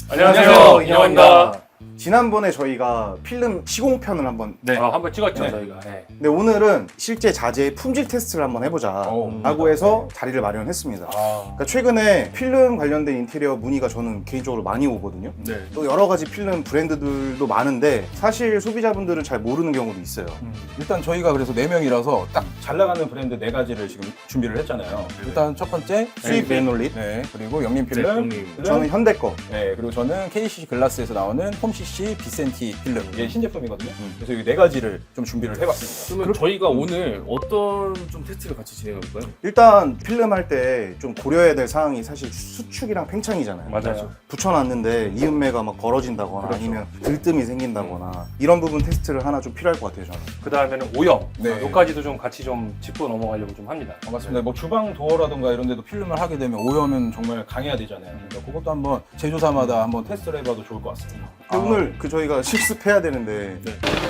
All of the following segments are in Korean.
안녕하세요, 인형입니다. 지난번에 저희가 필름 시공편을 한번 한번 찍었죠, 네. 저희가. 네. 근데 오늘은 실제 자재의 품질 테스트를 한번 해보자 라고 해서 자리를 마련했습니다. 그러니까 최근에 필름 관련된 인테리어 문의가 저는 개인적으로 많이 오거든요. 네. 또 여러 가지 필름 브랜드들도 많은데 사실 소비자분들은 잘 모르는 경우도 있어요. 일단 저희가 그래서 4명이라서 딱 잘 나가는 브랜드 4가지를 지금 준비를 했잖아요. 일단 첫 번째 수입 레놀릿, 네, 그리고 영림 필름, 저는 현대 거. 네, 그리고 저는 KCC 글라스에서 나오는 홈CC 비센티 필름, 이게 신제품이거든요. 그래서 이 4가지를 좀 준비를 해봤습니다. 그러면 저희가 오늘 어떤 좀 테스트를 같이 진행해볼까요? 일단 필름 할 때 좀 고려해야 될 사항이 사실 수축이랑 팽창이잖아요. 맞아요. 붙여놨는데 이음매가 막 벌어진다거나 아니면 들뜸이 생긴다거나 이런 부분 테스트를 하나 좀 필요할 것 같아요, 저는. 그 다음에는 오염. 네. 요까지도 좀 같이 좀 짚고 넘어가려고 좀 합니다. 맞습니다. 뭐 주방 도어라든가 이런 데도 필름을 하게 되면 오염은 정말 강해야 되잖아요. 그러니까 그것도 한번 제조사마다 한번 테스트를 해봐도 좋을 것 같습니다. 오늘 저희가 실습해야 되는데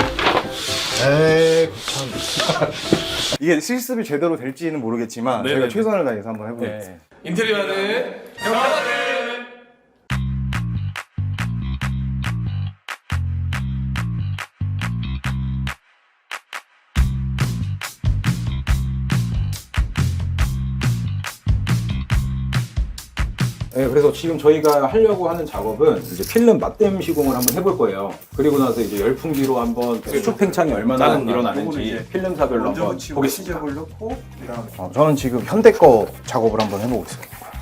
네. 에이 참 이게 실습이 제대로 될지는 모르겠지만 네네. 저희가 최선을 다해서 한번 해보겠습니다. 네. 인테리어는 경화들. 네, 그래서 지금 저희가 하려고 하는 작업은 이제 필름 맞댐 시공을 한번 해볼 거예요. 그리고 나서 이제 열풍기로 한번 수축 팽창이 얼마나 일어나는지 필름사별로 한번 보겠습니다. 넣고 저는 지금 현대 거 작업을 한번 해보고 있어요.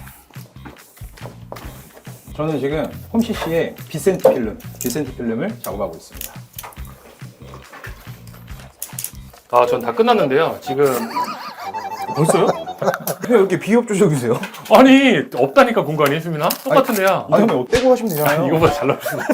저는 지금 홈CC의 비센티 필름을 작업하고 있습니다. 아, 전 다 끝났는데요. 지금. 벌써요? 왜 이렇게 비협조적이세요? 아니, 없다니까 공간이 수민아? 똑같은데요. 아니 떼고 가시면 되잖아요. 이거보다 잘 나올 수가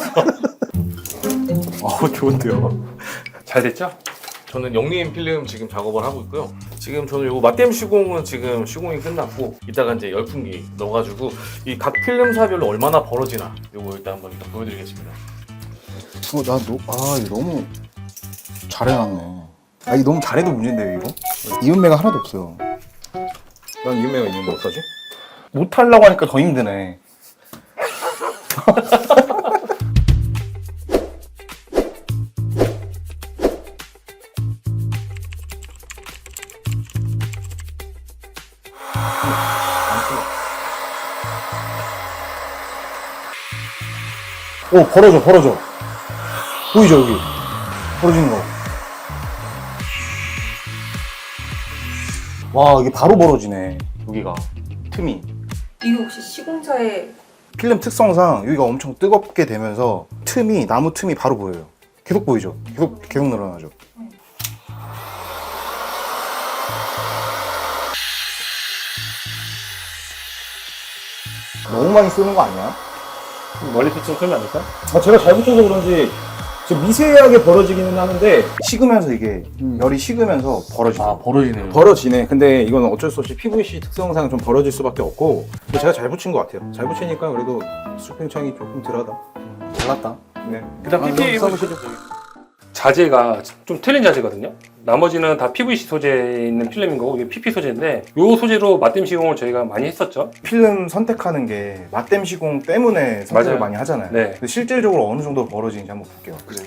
없어. 좋은데요. 잘 됐죠? 저는 영림 필름 지금 작업을 하고 있고요. 지금 저는 요거 맞댐 시공은 지금 시공이 끝났고 이따가 이제 열풍기 넣어가지고 이 각 필름사별로 얼마나 벌어지나 요거 일단 한번 보여드리겠습니다. 이거 너무 잘해놨네. 이거 너무 잘해도 문제인데요, 이거? 이음매가 하나도 없어요. 난 이음매가 있는데 어떡하지? 못하려고 하니까 더 힘드네. 오, 벌어져. 보이죠, 여기? 벌어지는 거. 와, 이게 바로 벌어지네, 여기가. 틈이. 이게 혹시 시공차에 필름 특성상 여기가 엄청 뜨겁게 되면서 나무 틈이 바로 보여요. 계속 보이죠? 계속 늘어나죠. 너무 많이 쓰는 거 아니야? 멀리서 좀 끌면 안 될까? 제가 잘 붙여서 그런지 좀 미세하게 벌어지기는 하는데 식으면서 이게 열이 식으면서 벌어지죠. 벌어지네요. 벌어지네. 근데 이건 어쩔 수 없이 PVC 특성상 좀 벌어질 수밖에 없고 근데 제가 잘 붙인 것 같아요. 잘 붙이니까 그래도 수축 팽창이 조금 덜하다. 잘났다. 네. 그다음 PPA 써보시죠. 자재가 좀 틀린 자재거든요. 나머지는 다 PVC 소재에 있는 필름인 거고 이게 PP 소재인데 이 소재로 맞댐 시공을 저희가 많이 했었죠. 필름 선택하는 게 맞댐 시공 때문에 선택을 맞아요. 많이 하잖아요. 네. 근데 실질적으로 어느 정도 벌어지는지 한번 볼게요. 그래.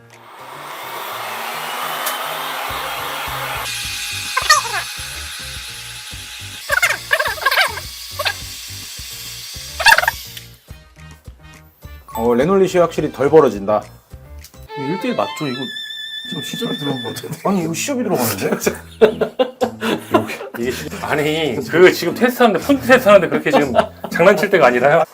레놀릿이 확실히 덜 벌어진다. 1대1 맞죠? 이거 좀 시접이 들어간 거 같은데. 아니, 이거 시접이 들어가는데? 이게 아니 그 지금 테스트하는데 폰트 테스트하는데 그렇게 지금 장난칠 때가 아니라요.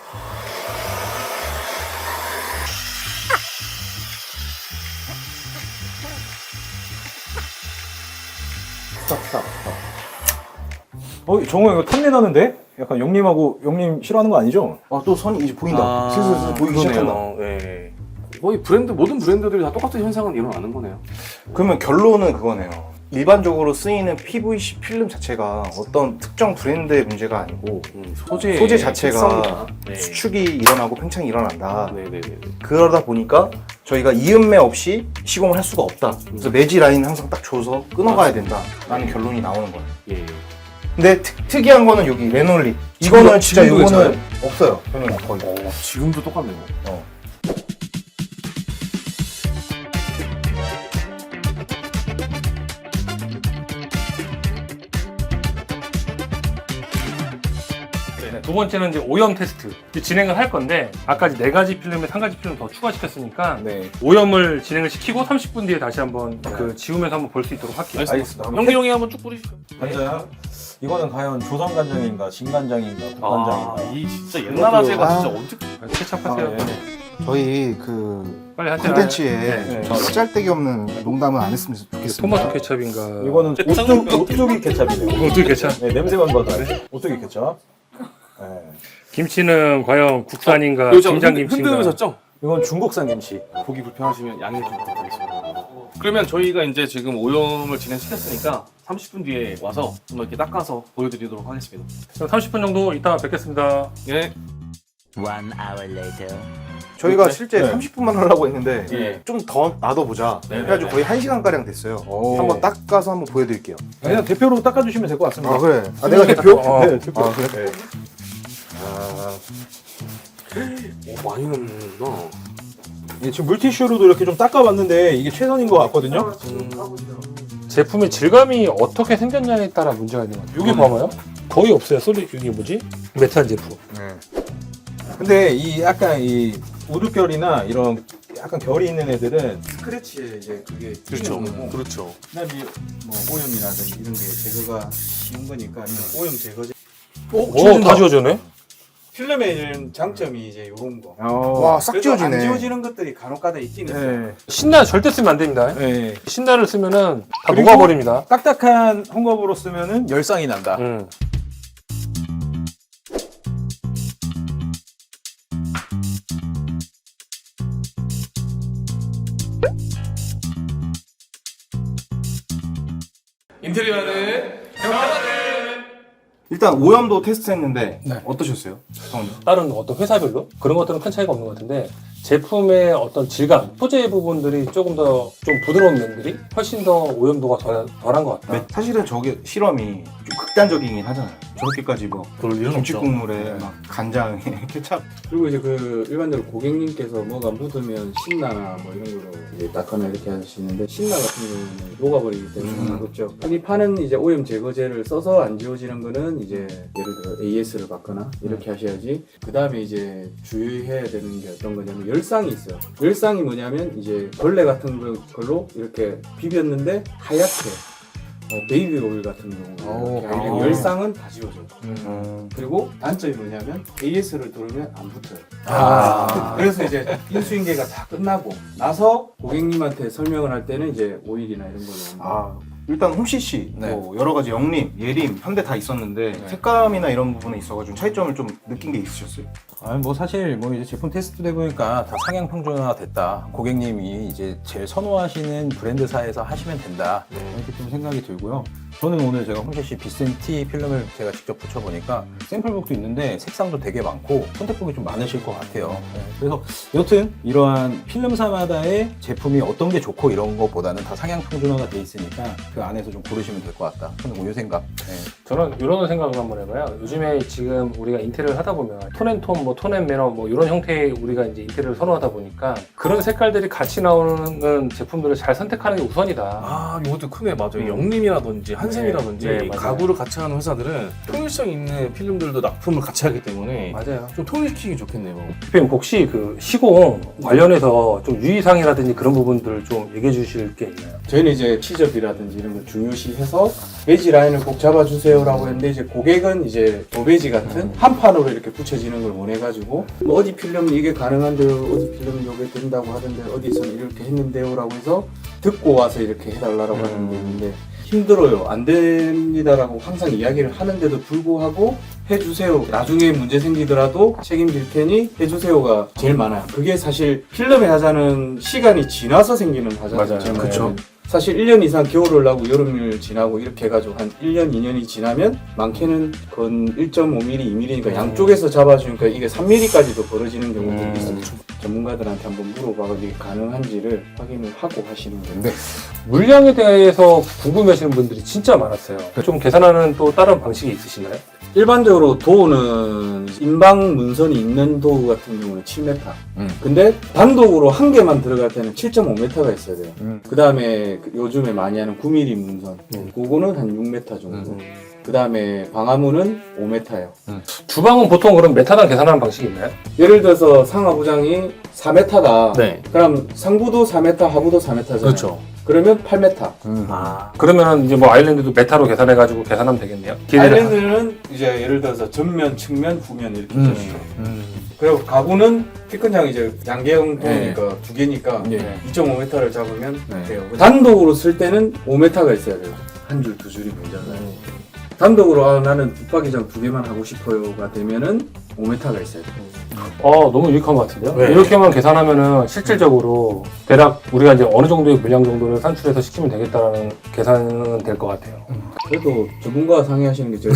정우 이거 탐내 나는데? 약간 영림 싫어하는 거 아니죠? 또 선이 이제 보인다. 슬슬 보이기 시작한다. 네. 거의 모든 브랜드들이 다 똑같은 현상은 일어나는 거네요. 그러면 결론은 그거네요. 일반적으로 쓰이는 PVC 필름 자체가 어떤 특정 브랜드의 문제가 아니고 소재 자체가 네. 수축이 일어나고 팽창이 일어난다. 네네네. 그러다 보니까 저희가 이음매 없이 시공을 할 수가 없다. 그래서 매지 라인 항상 딱 줘서 끊어가야 된다라는 결론이 나오는 거예요. 예. 근데 특이한 거는 여기 레놀릿. 이거는 진짜 지금도 이거는 없어요. 저는 거의. 지금도 똑같네요. 두 번째는 이제 오염 테스트 이제 진행을 할 건데 아까 이제 4가지 필름에 1가지 필름 더 추가시켰으니까 네. 오염을 진행을 시키고 30분 뒤에 다시 한번 그 지우면서 한번 볼 수 있도록 할게요. 알겠습니다. 형기 한번 쭉 뿌리시죠. 간장. 이거는 과연 조선 간장인가, 진간장인가, 국간장인가. 이 진짜 옛날 아재가 진짜 언제 케찹 하세요. 아, 네. 저희 그 빨리 하세요. 콘텐츠에 네. 쓰잘데기 없는 농담은 안 했으면 좋겠습니다. 토마토 케찹인가? 이거는 오뚜기 케찹이네요. 어떻게 케찹? 네, 냄새만 봐도 알죠. 오뚜기 케찹. 네. 김치는 과연 국산인가? 여기서 김장김치인가? 흔들으셨죠? 이건 중국산 김치. 보기 불편하시면 양해 좀 부탁드리겠습니다. 그러면 저희가 이제 지금 오염을 진행시켰으니까 30분 뒤에 와서 한번 이렇게 닦아서 보여드리도록 하겠습니다. 그럼 30분 정도 이따 뵙겠습니다. 예. 1 hour later. 저희가 네. 실제 네. 30분만 하려고 했는데 예. 좀 더 놔둬보자. 네, 그래가지고 네, 거의 1시간가량 됐어요. 오. 한번 닦아서 한번 보여드릴게요. 그냥 대표로 닦아주시면 될 것 같습니다. 아 그래. 아 내가 대표? 네, 대표. 아 그래? 네. 오, 많이 넣는구나. 예, 지금 물티슈로도 이렇게 좀 닦아봤는데 이게 최선인 것 같거든요. 제품의 질감이 어떻게 생겼냐에 따라 문제가 있는 것 같아요. 여기 봐봐요. 거의 없어요. 소리 이게 뭐지? 메탄 제품. 근데 이 약간 이 우드결이나 이런 약간 결이 있는 애들은 스크래치에 이제 그게 그렇죠. 튀는 거고 그렇죠. 그다음에 뭐 오염이라든지 이런 게 제거가 쉬운 거니까 오염 제거제. 오, 다 지워지네. 필름에 있는 장점이 이제 이런 거. 와 싹 그래도 안 지워지네. 지워지는 것들이 간혹가다 있긴 있어요. 네. 신나 절대 쓰면 안 됩니다. 네. 신나를 쓰면은 다 그리고 녹아버립니다. 딱딱한 홍겁으로 쓰면은 열상이 난다. 인테리어는 일단 오염도 테스트했는데 네. 어떠셨어요? 성훈이? 다른 어떤 회사별로 그런 것들은 큰 차이가 없는 것 같은데 제품의 어떤 질감, 소재 부분들이 조금 더 좀 부드러운 면들이 훨씬 더 오염도가 덜한 것 같다. 사실은 저게 실험이 좀 극단적이긴 하잖아요. 저렇게까지 뭐 그럴 일은 김치 없죠. 국물에 막 간장에 케찹. 그리고 이제 그 일반적으로 고객님께서 뭐가 묻으면 신나나 뭐 이런 걸로 이제 닦거나 이렇게 하시는데 신나 같은 경우는 녹아버리기 때문에 그렇죠. 흔히 파는 이제 오염 제거제를 써서 안 지워지는 거는 이제 예를 들어 AS를 받거나 이렇게 하셔야지. 그 다음에 이제 주의해야 되는 게 어떤 거냐면 열상이 있어요. 열상이 뭐냐면 이제 벌레 같은 걸로 이렇게 비볐는데 하얗게 베이비 오일 같은 경우 이렇게 하얀 열상은 다 지워져요. 그리고 단점이 뭐냐면 AS를 두르면 안 붙어요. 그래서 이제 인수인계가 다 끝나고 나서 고객님한테 설명을 할 때는 이제 오일이나 이런 걸로 아 일단 홈CC 네. 뭐 여러 가지 영림, 예림, 현대 다 있었는데 색감이나 이런 부분에 있어가지고 차이점을 좀 느낀 게 있으셨어요? 아니 뭐 사실 뭐 이제 제품 테스트 돼 보니까 다 상향 평준화 됐다. 고객님이 이제 제일 선호하시는 브랜드사에서 하시면 된다. 이렇게 좀 생각이 들고요. 저는 오늘 제가 홈CC 비센티 필름을 제가 직접 붙여보니까 샘플북도 있는데 색상도 되게 많고 선택폭이 좀 많으실 것 같아요. 네, 그래서 여튼 이러한 필름사마다의 제품이 어떤 게 좋고 이런 것보다는 다 상향 평준화가 돼 있으니까 그 안에서 좀 고르시면 될 것 같다. 저는 요 생각. 네. 저는 이런 생각을 한번 해봐요. 요즘에 지금 우리가 인테리어를 하다 보면 톤앤톤, 뭐 톤앤매너 뭐 이런 형태의 우리가 이제 인테리어를 선호하다 보니까 그런 색깔들이 같이 나오는 제품들을 잘 선택하는 게 우선이다. 아, 이것도 크네. 맞아요. 영림이라든지 한샘이라든지 네, 맞아요. 가구를 같이 하는 회사들은 통일성 있는 필름들도 납품을 같이 하기 때문에 맞아요. 좀 통일시키기 좋겠네요. 대표님 혹시 그 시공 관련해서 좀 유의사항이라든지 그런 부분들을 좀 얘기해 주실 게 있나요? 저희는 이제 치접이라든지 이런 걸 중요시해서 베지 라인을 꼭 잡아주세요라고 했는데 이제 고객은 이제 도배지 같은 한 판으로 이렇게 붙여지는 걸 원해가지고 뭐 어디 필름은 이게 가능한데요, 어디 필름은 이게 된다고 하던데 어디서는 이렇게 했는데요라고 해서 듣고 와서 이렇게 해달라고 하는 게 있는데 힘들어요, 안 됩니다라고 항상 이야기를 하는데도 불구하고 해주세요. 나중에 문제 생기더라도 책임질 테니 해주세요가 제일 많아요. 그게 사실 필름에 하자는 시간이 지나서 생기는 하자잖아요. 그쵸. 사실 1년 이상 겨울을 나고 여름을 지나고 이렇게 해가지고 한 1년, 2년이 지나면 많게는 건 1.5mm, 2mm니까 양쪽에서 잡아주니까 이게 3mm까지도 벌어지는 경우도 있습니다. 전문가들한테 한번 물어봐서 이게 가능한지를 확인을 하고 하시는 건데 물량에 대해서 궁금해하시는 분들이 진짜 많았어요. 좀 계산하는 또 다른 방식이 있으신가요? 일반적으로 도우는 인방 문선이 있는 도우 같은 경우는 7m. 근데 단독으로 한 개만 들어갈 때는 7.5m가 있어야 돼요. 그 다음에 요즘에 많이 하는 9mm 문선. 그거는 한 6m 정도. 그 다음에 방화문은 5m예요. 주방은 보통 그럼 메타당 계산하는 방식이 있나요? 예를 들어서 상하부장이 4m다. 네. 그럼 상부도 4m, 하부도 4m잖아요. 그렇죠. 그러면 8m. 그러면은 이제 뭐 아일랜드도 메타로 계산해가지고 계산하면 되겠네요. 아일랜드는 이제 예를 들어서 전면, 측면, 후면 이렇게 있죠. 그리고 가구는 키 큰 장 이제 양계형 도니까 두 개니까 2.5m를 잡으면 돼요. 단독으로 쓸 때는 5m가 있어야 돼요. 한 줄, 두 줄이 모자라요. 단독으로 나는 붙박이장 두 개만 하고 싶어요가 되면은 5m가 있어야 돼요. 너무 유익한 것 같은데요? 네. 이렇게만 계산하면은 실질적으로 대략 우리가 이제 어느 정도의 물량 정도를 산출해서 시키면 되겠다라는 계산은 될 것 같아요. 그래도 전문가와 상의하시는 게 제일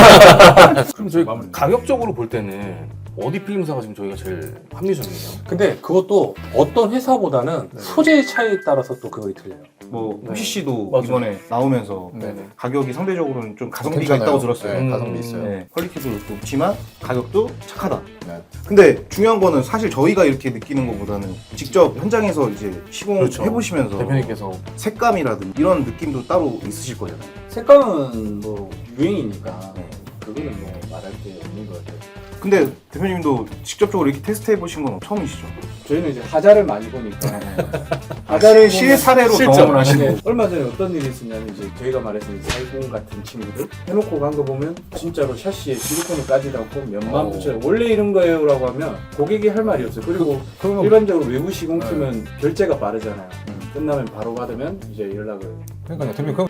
그럼 저희 가격적으로 볼 때는 어디 필름사가 지금 저희가 제일 합리적이에요? 근데 그것도 어떤 회사보다는 소재 차이에 따라서 또 그거 틀려요. 뭐 네. HC도 맞아요. 이번에 나오면서 네네. 가격이 상대적으로는 좀 가성비가 괜찮아요. 있다고 들었어요. 네, 가성비 있어요. 네, 퀄리티도 높지만 가격도 착하다. 네. 근데 중요한 거는 사실 저희가 이렇게 느끼는 것보다는 직접 현장에서 이제 시공을 그렇죠. 해보시면서 대표님께서 색감이라든지 이런 느낌도 따로 있으실 거잖아요. 색감은 뭐 유행이니까 그거는 뭐 말할 게 없는 것 같아요. 근데 대표님도 직접적으로 이렇게 테스트 해보신 건 처음이시죠? 저희는 이제 하자를 많이 보니까 하자를 실사례로 경험을 하시는 네. 얼마 전에 어떤 일이 있었냐면 이제 저희가 말했던 420 같은 친구들 해놓고 간 거 보면 진짜로 샤시에 실리콘을 까지도 않고 몇만 붙여요. 원래 이런 거예요라고 하면 고객이 할 말이 없어요. 그리고 일반적으로 외부 시공팀은 결제가 빠르잖아요. 끝나면 바로 받으면 이제 연락을 그러니까요. 대표님 그럼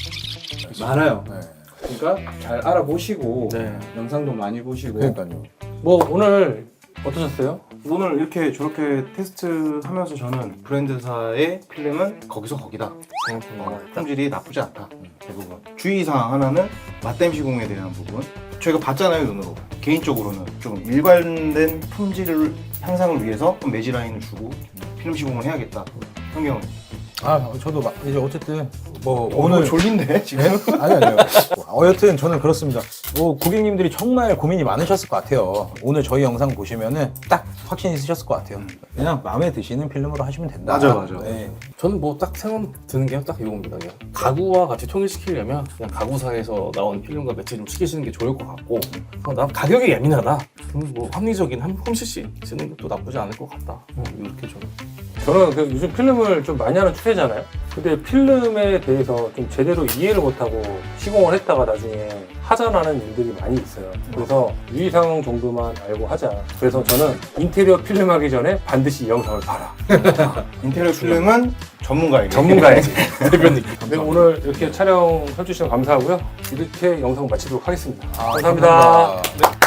많아요. 네. 그러니까 잘 알아보시고 네. 영상도 많이 보시고 그러니까요. 뭐 오늘 어떠셨어요? 오늘 이렇게 저렇게 테스트 하면서 저는 브랜드사의 필름은 거기서 거기다. 품질이 나쁘지 않다. 대부분. 주의사항 하나는 맞댐 시공에 대한 부분. 저희가 봤잖아요, 눈으로. 개인적으로는 좀 일관된 품질 향상을 위해서 좀 매지 라인을 주고 필름 시공을 해야겠다. 환경은. 저도 이제 어쨌든 뭐 오늘 졸린데 지금? 아니요. 여튼 저는 그렇습니다. 고객님들이 정말 고민이 많으셨을 것 같아요. 오늘 저희 영상 보시면은 딱 확신 있으셨을 것 같아요. 그냥 마음에 드시는 필름으로 하시면 된다. 맞아. 네. 저는 뭐 딱 생각 드는 게 딱 이겁니다. 그냥 가구와 같이 통일시키려면 그냥 가구사에서 나온 필름과 매치 좀 시키시는 게 좋을 것 같고 난 가격이 예민하다. 그럼 뭐 합리적인 한 홈CC 쓰는 것도 나쁘지 않을 것 같다. 이렇게 저는 그 요즘 필름을 좀 많이 하는 추세잖아요. 근데 필름에 대해서 좀 제대로 이해를 못하고 시공을 했다가 나중에 하자나는 일들이 많이 있어요. 그래서 유의사항 정도만 알고 하자. 그래서 저는 인테리어 필름 하기 전에 반드시 이 영상을 봐라. 인테리어 필름은 전문가에게. 전문가야지. 대표님. 네, 오늘 이렇게 촬영해주셔서 감사하고요. 이렇게 영상 마치도록 하겠습니다. 감사합니다. 감사합니다.